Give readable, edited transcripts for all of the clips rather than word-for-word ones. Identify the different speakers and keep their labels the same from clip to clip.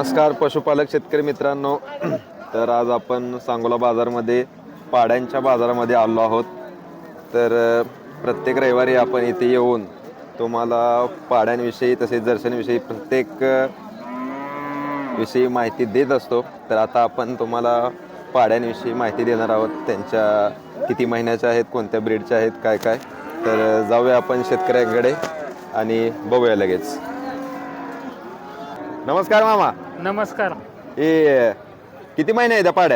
Speaker 1: नमस्कार पशुपालक शेतकरी मित्रांनो. तर आज आपण सांगोला बाजारमध्ये पाड्यांच्या बाजारामध्ये आलो आहोत. तर प्रत्येक रविवारी आपण इथे येऊन तुम्हाला पाड्यांविषयी तसेच दर्शनविषयी प्रत्येक विषयी माहिती देत असतो. तर आता आपण तुम्हाला पाड्यांविषयी माहिती देणार आहोत. त्यांच्या किती महिन्याच्या आहेत, कोणत्या ब्रीडच्या आहेत, काय काय. तर जाऊया आपण शेतकऱ्यांकडे आणि बघूया लगेच. नमस्कार मामा.
Speaker 2: नमस्कार.
Speaker 1: हे किती महिने आहेत त्या पाड्या?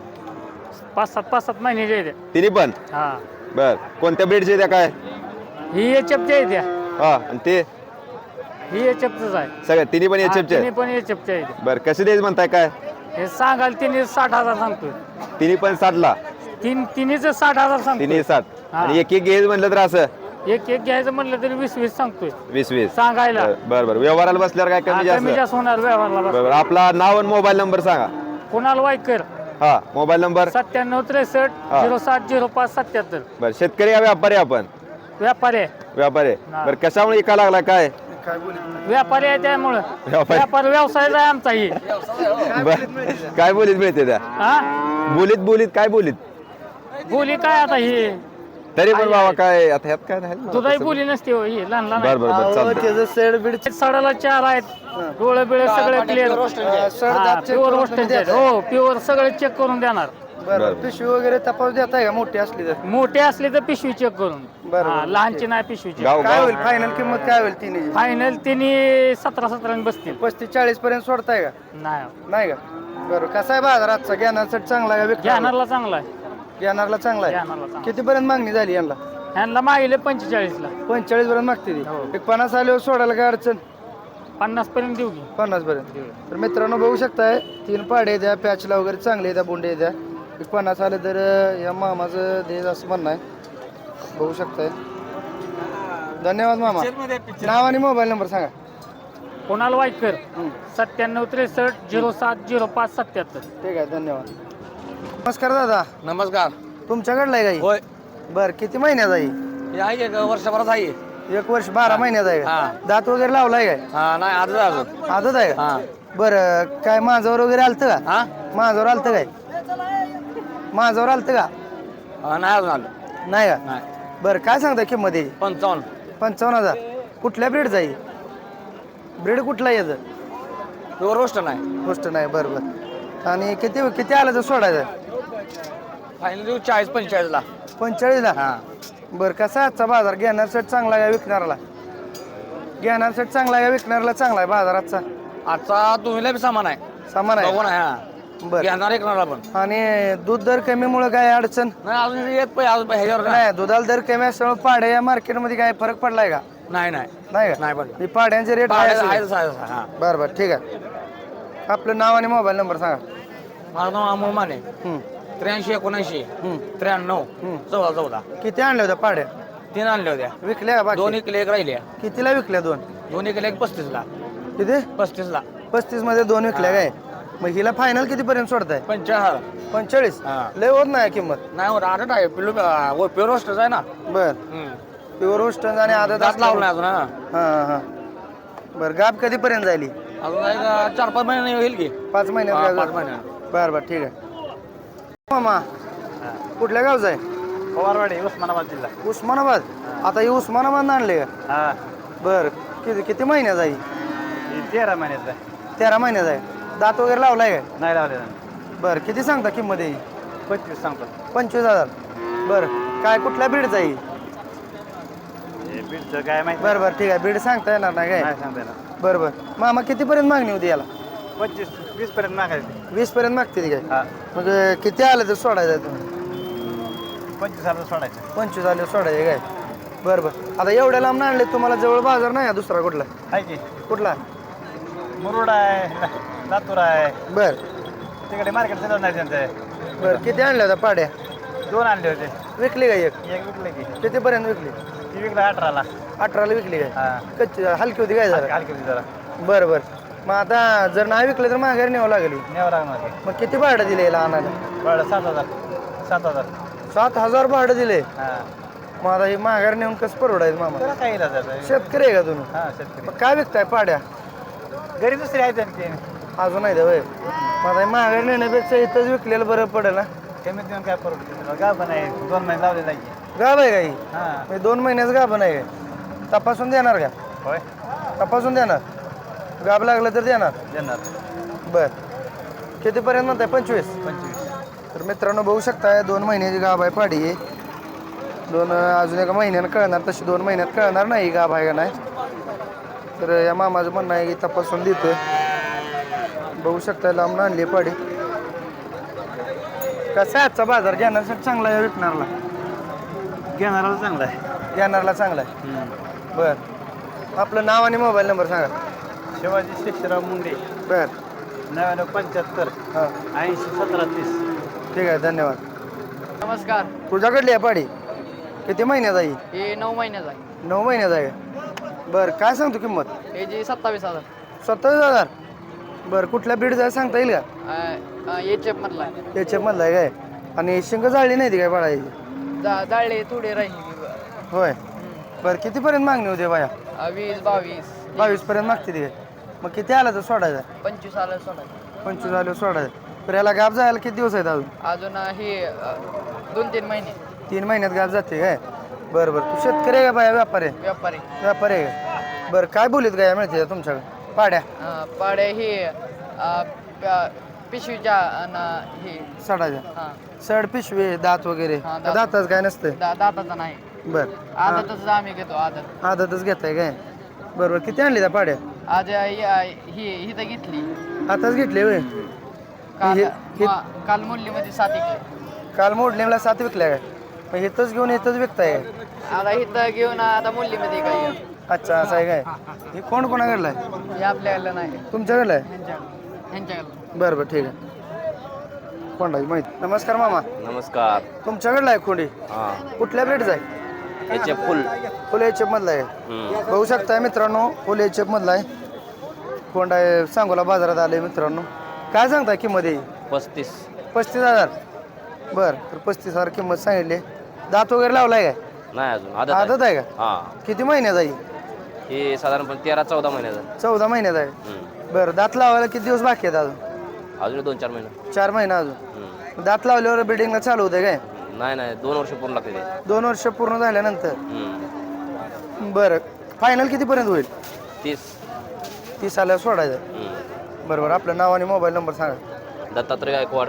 Speaker 2: 5-7 महिन्याच्या आहेत.
Speaker 1: तिन्ही पण?
Speaker 2: हा,
Speaker 1: बर. कोणत्या ब्रीडचे त्या काय?
Speaker 2: ही एचएफच्या आहेत त्या.
Speaker 1: हा, आणि ते
Speaker 2: ही एचएफच आहे.
Speaker 1: सगळ्या तिन्ही पण एचएफचे
Speaker 2: तिन्ही पण एचएफच्या आहेत.
Speaker 1: बर. कसे द्यायचे म्हणताय काय?
Speaker 2: हे सांगाल तिने 60,000 सांगतोय.
Speaker 1: तिन्ही पण 60ला?
Speaker 2: तिन्हीच 60,000 सांगतोय.
Speaker 1: तिन्ही 60.
Speaker 2: हा.
Speaker 1: आणि एक घ्यायचं म्हटलं तर असं
Speaker 2: एक घ्यायचं म्हटलं तरी 20 सांगतोय
Speaker 1: 20
Speaker 2: सांगायला.
Speaker 1: बर बर. व्यवहाराला बसल्यावर काय कमी
Speaker 2: कमी
Speaker 1: जास्त?
Speaker 2: जास्त होणार व्यवहारला.
Speaker 1: बरोबर. आपला नाव आणि मोबाईल नंबर सांगा.
Speaker 2: कोणाला वाईकर
Speaker 1: हा, मोबाईल नंबर
Speaker 2: 9763 07 05 77.
Speaker 1: बर. शेतकरी का व्यापारी आपण?
Speaker 2: व्यापारी आहे.
Speaker 1: व्यापारी.
Speaker 2: हा.
Speaker 1: बर. कशामुळे इका लागला काय?
Speaker 2: व्यापारी आहे त्यामुळं
Speaker 1: व्यापारी.
Speaker 2: व्यापार व्यवसाय आहे आमचा. ही
Speaker 1: बर. काय बोलीत मिळते त्या?
Speaker 2: हा,
Speaker 1: बोलीत काय बोलीत?
Speaker 2: बोली काय आता ही
Speaker 1: तरी पण बाबा काय आता ह्यात काय नाही.
Speaker 2: दुधाई बोली नसते हो, ही लहान लहान
Speaker 1: बर
Speaker 2: आहे.
Speaker 1: बर बर. चालतंय.
Speaker 2: सडाला 4 आहेत. डोळे बिळे सगळे क्लिअर. Pure roasted. हो, प्युअर सगळे चेक करून देणार.
Speaker 1: बरं.
Speaker 3: पिशवी वगैरे तपास देताय का मोठी असली तर?
Speaker 2: मोठे असले तर पिशवी चेक करून.
Speaker 3: बरं.
Speaker 2: हा, लहानची नाही पिशवी चेक.
Speaker 1: गाव
Speaker 3: काय
Speaker 1: गाव
Speaker 3: होईल फायनल किंमत काय होईल तिने?
Speaker 2: फायनल तिने 17 बसतील.
Speaker 3: 35-40 पर्यंत सोडताय का?
Speaker 2: नाही,
Speaker 3: नाही का? बरं. कसा आहे बाजार आजचा? ज्ञानासाठी चांगला आहे का?
Speaker 2: घ्यानारला चांगला आहे.
Speaker 3: ज्ञानाला चांगला आहे.
Speaker 2: घ्यानारला चांगला.
Speaker 3: किती पर्यंत मागणी झाली यांना?
Speaker 2: ह्यांना मागले 45ला.
Speaker 3: 45 पर्यंत मागते ती.
Speaker 2: हो.
Speaker 3: एक 50 आल्यावर सोडायला काय अडचण?
Speaker 2: 50 पर्यंत देऊ की.
Speaker 3: 50 पर्यंत. तर मित्रांनो बघू शकताय 3 पाडे द्या, पॅचला वगैरे चांगले द्या, बोंडे द्या. एक 50 आले तर या मामाचं देज असं म्हणणं आहे. बघू शकताय. धन्यवाद मामा. नाव आणि मोबाईल नंबर सांगा.
Speaker 2: कोणाला वाईकर 9763 07 05 77.
Speaker 3: ठीक आहे, धन्यवाद. नमस्कार दादा.
Speaker 4: नमस्कार.
Speaker 3: तुमच्याकडला आहे गाई?
Speaker 4: होय.
Speaker 3: बर. किती महिन्यात आहे?
Speaker 4: हे आहे का वर्षभरात आहे?
Speaker 3: 1 वर्ष 12 महिन्यात आहे का?
Speaker 4: हा.
Speaker 3: दात वगैरे लावलाय काय?
Speaker 4: हा नाही आजच अजून.
Speaker 3: आदत आहे का?
Speaker 4: हा
Speaker 3: बरं. काय माझ्यावर वगैरे आलतं का?
Speaker 4: हा
Speaker 3: माझ्यावर आलतं काय? माझ्यावर आलतं का?
Speaker 4: नाही अजून आलं.
Speaker 3: नाही का?
Speaker 4: नाही.
Speaker 3: बरं. काय सांगता किंमत याची?
Speaker 4: 55.
Speaker 3: 55,000. कुठल्या ब्रीडचा आहे? ब्रीड कुठला याचं?
Speaker 4: प्युअर रोस्ट नाही.
Speaker 3: गोष्ट नाही. बरं बरं. आणि किती किती आलं तर सोडायचं?
Speaker 4: फायनल देऊ 40-45ला.
Speaker 3: 45ला.
Speaker 4: हा
Speaker 3: बरं. कसा आहे आजचा बाजार? घेणारसाठी चांगला आहे का विकणाराला? घेणारसाठी चांगला आहे का विकणाराला चांगला आहे बाजार आजचा?
Speaker 4: आजचा दोन्हीला बी सामान आहे.
Speaker 3: सामान आहे.
Speaker 4: बघून आहे. हा
Speaker 3: बरं.
Speaker 4: घेणार ऐकणार पण
Speaker 3: आणि दूध दर कमीमुळे काय अडचण?
Speaker 4: नाही अजून येत पाहिजे अजून ह्याच्यावर
Speaker 3: नाही. दुधाला दर कमी असल्यामुळे पाड्या या मार्केटमध्ये काय फरक पडलाय का?
Speaker 4: नाही नाही
Speaker 3: नाही का?
Speaker 4: नाही पण
Speaker 3: ही पाड्यांचे रेट
Speaker 4: हा.
Speaker 3: बरं बरं. ठीक आहे. आपलं नाव आणि मोबाईल नंबर सांगा.
Speaker 4: माझं नाव अमोल माने.
Speaker 3: हं.
Speaker 4: 83-79
Speaker 3: हं.
Speaker 4: 93 14
Speaker 3: किती आणल्या होत्या पाड्या?
Speaker 4: 3 आणल्या होत्या.
Speaker 3: विकल्या का बाकी?
Speaker 4: 2 किलो 1 राहिल्या.
Speaker 3: कितीला विकल्या? 2
Speaker 4: 2 किलो 1 35ला.
Speaker 3: किती?
Speaker 4: 35ला.
Speaker 3: 35 मध्ये 2 विकल्या काय? मग हिला फायनल किती पर्यंत सोडताय?
Speaker 4: 45.
Speaker 3: 45.
Speaker 4: हा.
Speaker 3: लय होत नाही किंमत.
Speaker 4: नाही हो आदत आहे पिल्लू प्युअर रोस्टच आहे ना.
Speaker 3: बर. प्युअर रोस्ट आणि आदत
Speaker 4: दात लावलं नाही अजून. हा
Speaker 3: हा हा. बरं. गाब कधी पर्यंत जायली?
Speaker 4: अजून एक 4-5 महिने होईल की.
Speaker 3: 5
Speaker 4: हा,
Speaker 3: महिन्यात?
Speaker 4: 5 महिने.
Speaker 3: बरं बरं. ठीक आहे. मामा कुठल्या गावचा आहे?
Speaker 4: पवारवाडी उस्मानाबाद जिल्हा.
Speaker 3: उस्मानाबाद. आता ही उस्मानाबाद आणले का?
Speaker 4: हा
Speaker 3: बर. किती महिन्यात आहे?
Speaker 4: 13 महिन्याचा.
Speaker 3: 13 महिन्यात आहे. दात वगैरे लावलाय काय?
Speaker 4: नाही लावले.
Speaker 3: बर. किती सांगता किंमत आहे?
Speaker 4: 25 सांगतो.
Speaker 3: 25,000. बर. काय कुठल्या बीडचा आहे?
Speaker 4: बीडचं काय माहिती
Speaker 3: बरं बरं. ठीक आहे. बीड सांगता येणार नाही काय?
Speaker 4: सांगता येणार.
Speaker 3: बरं बरं. मामा कितीपर्यंत मागणी होती याला?
Speaker 4: 25-20 पर्यंत मागायचे.
Speaker 3: 20 पर्यंत मागते ती काय?
Speaker 4: हा
Speaker 3: मग किती आलं तर सोडायचं तुम्ही?
Speaker 4: 25,000 सोडायचं.
Speaker 3: 25 आले सोडायचे काय? बरं बरं. आता एवढ्या लांब आणले तुम्हाला जवळ बाजार नाही आहे दुसरा कुठला?
Speaker 4: आहे की
Speaker 3: कुठला?
Speaker 4: मुरुड आहे, लातूर आहे.
Speaker 3: बर.
Speaker 4: तिकडे मार्केट चालत नाही त्यांचं.
Speaker 3: बरं. किती आणल्या होत्या पाड्या?
Speaker 4: 2 आणले होते.
Speaker 3: विकली का एक?
Speaker 4: एक विकले की.
Speaker 3: कितीपर्यंत विकली?
Speaker 4: ती विकलं 18ला.
Speaker 3: 18ला विकली काय?
Speaker 4: हा
Speaker 3: कच्ची हलकी होती काय झालं?
Speaker 4: हलकी होती जरा.
Speaker 3: बरं बरं. मग आता जर नाही विकलं तर माघारी न्यावं लागली.
Speaker 4: न्यावं लागणार.
Speaker 3: मग किती भाडं दिले याला आणायला?
Speaker 4: बरं 7,000. 7,000.
Speaker 3: 7,000 भाडं दिले.
Speaker 4: हा
Speaker 3: मग आता ही माघारी नेऊन कसं परवडायचं मामा?
Speaker 4: त्याला काय इलाज आहे?
Speaker 3: शेतकरी आहे का तुम्ही?
Speaker 4: हा शेतकरी.
Speaker 3: मग काय विकताय पाड्या?
Speaker 4: घरी दुसरी आहे त्यांची.
Speaker 3: अजून नाही द्या वय माझा माघारी नेण्यापेक्षा इथंच विकलेलं बरं पडेल ना.
Speaker 4: कमीत कमी काय परवडते का पण आहे 2 महिने लावलेला आहे.
Speaker 3: गाभ आहे काही
Speaker 4: हां
Speaker 3: 2 महिन्याचं गाभ नाही तपासून देणार का?
Speaker 4: होय
Speaker 3: तपासून देणार गाभ लागलं तर देणार.
Speaker 4: देणार
Speaker 3: बर कितीपर्यंत म्हणताय 25?
Speaker 4: 25.
Speaker 3: तर मित्रांनो बघू शकताय 2 महिन्याची गाभ आहे पाडी आहे. अजून एका महिन्यानं कळणार तशी 2 महिन्यात कळणार नाही गाभ आहे का नाही. तर या मामाचं म्हणणं आहे की तपासून देतोय. बघू शकताय लांब आणली पाडी. कसा आहे आजचा बाजार घेण्यासाठी चांगला आहे विकणारला?
Speaker 4: घेणाराला चांगला आहे.
Speaker 3: घेणारला चांगला आहे. बर आपलं नाव आणि मोबाईल नंबर सांगा.
Speaker 4: शिवाजी शेषराव मुंडे
Speaker 3: बर
Speaker 4: 9975
Speaker 3: हां
Speaker 4: 80 17 30.
Speaker 3: ठीक आहे धन्यवाद.
Speaker 2: नमस्कार.
Speaker 3: तुझ्याकडली आहे पाडी किती महिन्यात आहे?
Speaker 2: हे 9 महिन्याचा आहे.
Speaker 3: 9 महिन्यात आहे. बरं काय सांगतो किंमत?
Speaker 2: हे जे 27,000
Speaker 3: 27,000. बरं कुठल्या ब्रीड जाय सांगता येईल का?
Speaker 2: एचएफ मधला आहे.
Speaker 3: त्याच्या मधला आहे काय? आणि शिंग जाळली नाही ती काय बाळाची?
Speaker 2: जाळले थोडे राहिले.
Speaker 3: होय बरं कितीपर्यंत मागणी होते बाया?
Speaker 2: 20 22
Speaker 3: 22 मागते ती काय? मग किती आला तर सोडायचा?
Speaker 2: 25 आलं सोडायचं.
Speaker 3: 25 आलं सोडायचं. तर याला गाप जायला किती दिवस आहेत अजून?
Speaker 2: अजून हे 2-3 महिने.
Speaker 3: 3 महिन्यात गाप जाते काय? बरं बरं तू शेतकरी आहे का बाया व्यापारी आहे?
Speaker 2: व्यापारी.
Speaker 3: व्यापारी आहे का? बरं काय बोलीत गाया मिळते तुमच्याकडे पाड्या?
Speaker 2: पाड्या हे पिशवीच्या आणि हे
Speaker 3: सडाच्या
Speaker 2: हां
Speaker 3: सड पिशवी दात वगैरे
Speaker 2: हा, दात.
Speaker 3: दातच काय नसतंय?
Speaker 2: दाताचा नाही.
Speaker 3: बरं
Speaker 2: आदतच आम्ही घेतो आदत.
Speaker 3: आदतच घेताय काय? बरोबर किती आणली त्या पाड्या?
Speaker 2: आज ही तर घेतली.
Speaker 3: आताच घेतले होय.
Speaker 2: काल
Speaker 3: हे-
Speaker 2: काल मुल्लीमध्ये 7 घेतली.
Speaker 3: काल मोडलेला 7 विकल्या काय? मग इथंच घेऊन इथंच विकताय?
Speaker 2: आता इथं घेऊन आता मुल्लीमध्ये काय
Speaker 3: अच्छा असं आहे काय? हे कोण कोणाकडलं आहे?
Speaker 2: हे आपल्याकडलं नाही.
Speaker 3: तुमच्याकडलं आहे?
Speaker 2: ह्यांच्याकडलं.
Speaker 3: बरं बरं ठीक आहे. कोणाची माहिती? नमस्कार मामा.
Speaker 5: नमस्कार.
Speaker 3: तुमच्याकडलं आहे खोंडी?
Speaker 5: हां
Speaker 3: कुठल्या ब्रेडचा आहे?
Speaker 5: याचे फुल
Speaker 3: फुल एचएफ मधला आहे. बघू शकताय मित्रांनो फुल एचएफ मधला आहे. कोंडा आहे सांगोला बाजारात आले मित्रांनो. काय सांगताय किंमत येईल?
Speaker 5: 35.
Speaker 3: 35,000. बरं तर 35,000 किंमत सांगितली. दात वगैरे लावलाय काय?
Speaker 5: नाही अजून आदत
Speaker 3: आदत आहे का?
Speaker 5: हां
Speaker 3: किती महिन्यात आहे?
Speaker 5: हे साधारणपणे 13-14 महिन्याचा.
Speaker 3: 14 महिन्यात आहे. बरं दात लावायला किती दिवस बाकी आहेत अजून?
Speaker 5: अजून 2-4 महिने.
Speaker 3: 4 महिना अजून. दात लावल्यावर बिल्डिंगला चालू होते काय?
Speaker 5: नाही 2 वर्ष पूर्ण लागते ते.
Speaker 3: 2 वर्ष पूर्ण झाल्यानंतर. बरं फायनल कितीपर्यंत होईल?
Speaker 5: 30.
Speaker 3: 30 आल्यावर सोडायचं. बरोबर आपलं नाव आणि मोबाईल नंबर सांगा.
Speaker 5: दत्तात्रय गायकवाड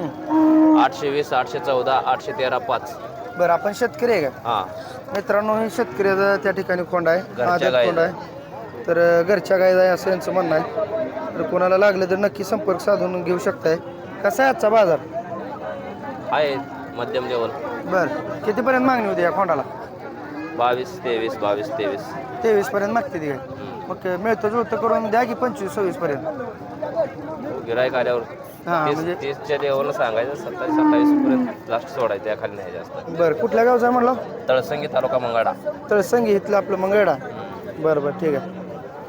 Speaker 5: 820 814 813 5.
Speaker 3: बरं आपण शेतकरी आहे का?
Speaker 5: हां
Speaker 3: मित्रांनो हे शेतकऱ्याचा त्या ठिकाणी कोंडा आहे.
Speaker 5: घरच्या
Speaker 3: आदत
Speaker 5: गायीचा.
Speaker 3: कोंडा आहे. तर घरच्या गाय आहे असं यांचं म्हणणं आहे. तर कोणाला लागलं तर नक्की संपर्क साधून घेऊ शकताय. कसा आहे आजचा बाजार?
Speaker 5: आहे मध्यम लेवल.
Speaker 3: बरं कितीपर्यंत मागणी होती या खोंडाला?
Speaker 5: 22 23 22 23.
Speaker 3: 23 पर्यंत मागते ती काय? मग मिळतं जुळतं करून द्या की 25-26 पर्यंत.
Speaker 5: गिरायक आल्यावर
Speaker 3: हां
Speaker 5: 30
Speaker 3: म्हणजे
Speaker 5: 30च्या लेवलला सांगायचं 27-28 पर्यंत लास्ट सोडायचं त्या खाली नाही जास्त.
Speaker 3: बरं कुठल्या गावचं आहे म्हणलं?
Speaker 5: तळसंगी तालुका मंगाडा.
Speaker 3: तळसंगी इथलं आपलं मंगळडा. बरं बरं ठीक आहे.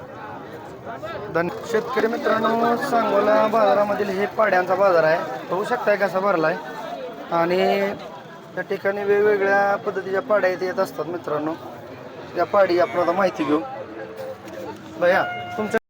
Speaker 3: शेतकरी मित्रांनो सांगोला बाजारामधील हे पाड्यांचा बाजार आहे. बघू शकताय कसा भरला आहे. आणि त्या ठिकाणी वेगवेगळ्या पद्धतीच्या पाड्या इथे येत असतात मित्रांनो. त्या पाडी आपण आता माहिती घेऊ. भैया तुमच्या